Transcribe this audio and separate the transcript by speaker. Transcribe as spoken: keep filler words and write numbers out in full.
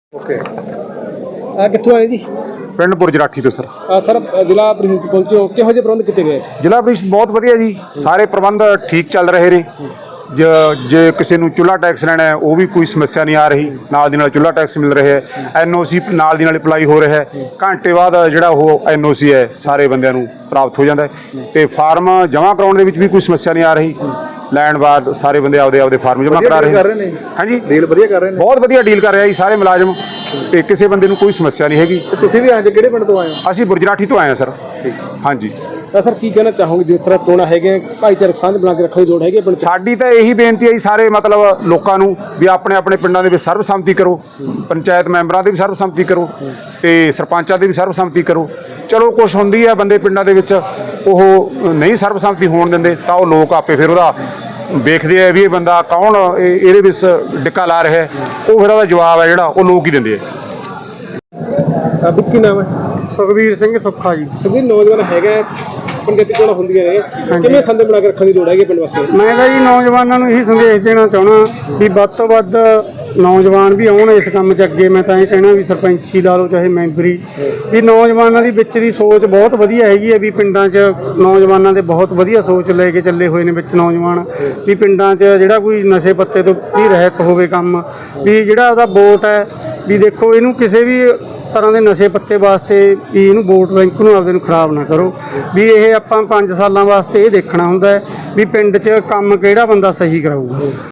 Speaker 1: Okay कितों आए जी?
Speaker 2: ਪਿੰਡ ਬੁਰਜਰਾਠੀ ਤੋਂ ਸਰ।
Speaker 1: ਸਰ ਜ਼ਿਲ੍ਹਾ ਪ੍ਰੀਸ਼ਦ ਪਹੁੰਚੇ ਹੋ, ਕਿਹੋ ਜਿਹੇ ਪ੍ਰਬੰਧ ਕੀਤੇ ਗਏ?
Speaker 2: ਜ਼ਿਲ੍ਹਾ ਪ੍ਰੀਸ਼ਦ ਬਹੁਤ ਵਧੀਆ ਜੀ, ਸਾਰੇ ਪ੍ਰਬੰਧ ਠੀਕ ਚੱਲ ਰਹੇ ਨੇ। ਜ- ਜੇ ਕਿਸੇ ਨੂੰ ਚੁੱਲ੍ਹਾ ਟੈਕਸ ਲੈਣਾ ਹੈ ਉਹ ਵੀ ਕੋਈ ਸਮੱਸਿਆ ਨਹੀਂ ਆ ਰਹੀ, ਨਾਲ ਦੀ ਨਾਲ ਚੁੱਲ੍ਹਾ ਟੈਕਸ ਮਿਲ ਰਿਹਾ ਹੈ। ਐਨ ਓ ਸੀ ਨਾਲ ਦੀ ਨਾਲ ਅਪਲਾਈ ਹੋ ਰਿਹਾ ਹੈ, ਘੰਟੇ ਬਾਅਦ ਜਿਹੜਾ ਉਹ ਐਨ ਓ ਸੀ ਹੈ ਸਾਰੇ ਬੰਦਿਆਂ ਨੂੰ ਪ੍ਰਾਪਤ ਹੋ ਜਾਂਦਾ ਹੈ। ਤੇ ਫਾਰਮ ਜਮ੍ਹਾਂ ਕਰਾਉਣ ਦੇ ਵਿੱਚ ਵੀ ਕੋਈ ਸਮੱਸਿਆ ਨਹੀਂ ਆ ਰਹੀ, ਲੈਣ ਬਾਅਦ ਸਾਰੇ ਬੰਦੇ ਆਪਦੇ ਆਪਦੇ ਫਾਰਮ ਜਮ੍ਹਾਂ ਕਰਾ ਰਹੇ ਨੇ। ਹਾਂਜੀ,
Speaker 1: ਡੀਲ ਵਧੀਆ ਕਰ ਰਹੇ ਨੇ,
Speaker 2: ਬਹੁਤ ਵਧੀਆ ਡੀਲ ਕਰ ਰਿਹਾ ਜੀ ਸਾਰੇ ਮੁਲਾਜ਼ਮ, ਤੇ ਕਿਸੇ ਬੰਦੇ ਨੂੰ ਕੋਈ ਸਮੱਸਿਆ ਨਹੀਂ ਹੈਗੀ।
Speaker 1: ਤੁਸੀਂ ਵੀ ਅੱਜ ਕਿਹੜੇ ਪਿੰਡ ਤੋਂ ਆਏ ਹੋ?
Speaker 2: ਅਸੀਂ ਬੁਰਜਰਾਠੀ ਤੋਂ ਆਏ ਹਾਂ ਸਰ।
Speaker 1: ਠੀਕ,
Speaker 2: ਹਾਂਜੀ।
Speaker 1: ਤਾਂ ਸਰ ਕੀ ਕਹਿਣਾ ਚਾਹੋਗੇ, ਜਿਸ ਤਰ੍ਹਾਂ ਚੋਣਾਂ ਹੈਗੇ ਭਾਈਚਾਰਕ ਸਾਂਝ ਬਣਾ ਕੇ ਰੱਖਣ ਦੀ ਲੋੜ ਹੈਗੀ ਪਿੰਡ 'ਚ?
Speaker 2: ਸਾਡੀ ਤਾਂ ਇਹੀ ਬੇਨਤੀ ਹੈ ਜੀ ਸਾਰੇ ਮਤਲਬ ਲੋਕਾਂ ਨੂੰ ਵੀ ਆਪਣੇ ਆਪਣੇ ਪਿੰਡਾਂ ਦੇ ਵਿੱਚ ਸਰਬਸੰਮਤੀ ਕਰੋ, ਪੰਚਾਇਤ ਮੈਂਬਰਾਂ ਦੀ ਵੀ ਸਰਬਸੰਮਤੀ ਕਰੋ ਤੇ ਸਰਪੰਚਾਂ ਦੀ ਵੀ ਸਰਬਸੰਮਤੀ ਕਰੋ। ਚਲੋ ਕੁਛ ਹੁੰਦੀ ਹੈ ਬੰਦੇ ਪਿੰਡਾਂ ਦੇ ਵਿੱਚ ਉਹ ਨਹੀਂ ਸਰਬਸੰਮਤੀ ਹੋਣ ਦਿੰਦੇ, ਤਾਂ ਉਹ ਲੋਕ ਆਪੇ ਫਿਰ ਉਹਦਾ ਵੇਖਦੇ ਆ ਵੀ ਇਹ ਬੰਦਾ ਕੌਣ ਇਹ- ਇਹਦੇ ਵਿੱਚ ਡਿੱਕਾ ਲਾ ਰਿਹਾ ਹੈ, ਉਹ ਫਿਰ ਉਹਦਾ ਜਵਾਬ ਹੈ ਜਿਹੜਾ ਉਹ ਲੋਕ ਹੀ ਦਿੰਦੇ ਆ।
Speaker 1: ਕੀ ਨਾਮ ਹੈ?
Speaker 3: ਸੁਖਵੀਰ ਸਿੰਘ ਸੁੱਖਾ ਜੀ।
Speaker 1: ਸਭੀ ਨੌਜਵਾਨ ਹੈਗੇ ਪੰਚਾਇਤੀ ਚੋਣਾਂ ਹੁੰਦੀਆਂ ਨੇ, ਕਿਵੇਂ ਸੰਦੇ ਬਣਾ ਕੇ ਰੱਖਣ ਦੀ ਲੋੜ ਹੈਗੀ ਪਿੰਡ ਵਾਸੀਆਂ ਨੂੰ?
Speaker 3: ਮੈਂ ਤਾਂ ਜੀ ਨੌਜਵਾਨਾਂ ਨੂੰ ਇਹੀ ਸੰਦੇਸ਼ ਦੇਣਾ ਚਾਹੁੰਦਾ ਵੀ ਵੱਧ ਤੋਂ ਵੱਧ ਨੌਜਵਾਨ ਵੀ ਆਉਣ ਇਸ ਕੰਮ 'ਚ ਅੱਗੇ। ਮੈਂ ਤਾਂ ਇਹ ਕਹਿਣਾ ਵੀ ਸਰਪੰਚੀ ਲਾ ਲਓ ਚਾਹੇ ਮੈਂਬਰੀ, ਵੀ ਨੌਜਵਾਨਾਂ ਦੀ ਵਿੱਚ ਦੀ ਸੋਚ ਬਹੁਤ ਵਧੀਆ ਹੈਗੀ ਹੈ। ਵੀ ਪਿੰਡਾਂ 'ਚ ਨੌਜਵਾਨਾਂ ਦੇ ਬਹੁਤ ਵਧੀਆ ਸੋਚ ਲੈ ਕੇ ਚੱਲੇ ਹੋਏ ਨੇ ਵਿੱਚ ਨੌਜਵਾਨ, ਵੀ ਪਿੰਡਾਂ 'ਚ ਜਿਹੜਾ ਕੋਈ ਨਸ਼ੇ ਪੱਤੇ ਤੋਂ ਵੀ ਰਹਿਤ ਹੋਵੇ ਕੰਮ, ਵੀ ਜਿਹੜਾ ਉਹਦਾ ਵੋਟ ਹੈ ਵੀ ਦੇਖੋ ਇਹਨੂੰ ਕਿਸੇ ਵੀ ਤਰ੍ਹਾਂ ਦੇ ਨਸ਼ੇ ਪੱਤੇ ਵਾਸਤੇ ਵੀ ਇਹਨੂੰ ਵੋਟ ਬੈਂਕ ਨੂੰ ਆਪਦੇ ਨੂੰ ਖਰਾਬ ਨਾ ਕਰੋ। ਵੀ ਇਹ ਆਪਾਂ ਪੰਜ ਸਾਲਾਂ ਵਾਸਤੇ ਇਹ ਦੇਖਣਾ ਹੁੰਦਾ ਹੈ ਵੀ ਪਿੰਡ 'ਚ ਕੰਮ ਕਿਹੜਾ ਬੰਦਾ ਸਹੀ ਕਰਾਊਗਾ।